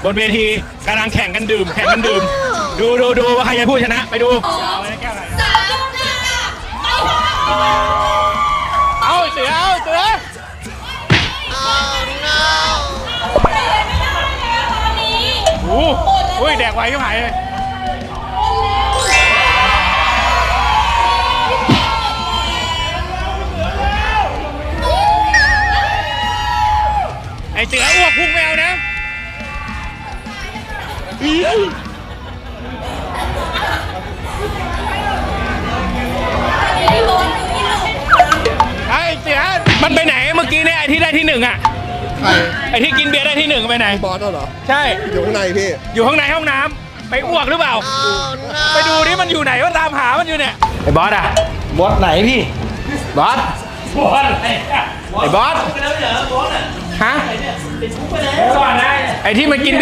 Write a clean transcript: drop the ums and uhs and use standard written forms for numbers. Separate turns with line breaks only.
บนเวทีกำลังแข่งกันดื่มดูว่าใครจะผู้ชนะไปดูเอาเสือโอ้ยแดกไวก็หายเลยไอเสืออ้วกพุ่งแมวนะไอเสือมันไปไหนเมื่อกี้เนี่ยไอที่ได้ที่หนึ่งอ่ะไอที่กินเบียร์ได้ที่หนึ่งไปไหน
บอสเหรอ
ใช่
อยู่ข้างในพี่
อยู่ข้างในห้องน้ำไปอ้วกหรือเปล่าไปดูนี่มันอยู่ไหนว่าตามหามันอยู่เนี่ยไอบอสอ่ะ
บอสไหนพี่
บอสไอ้บอสฮะไอ้ที่มันกิน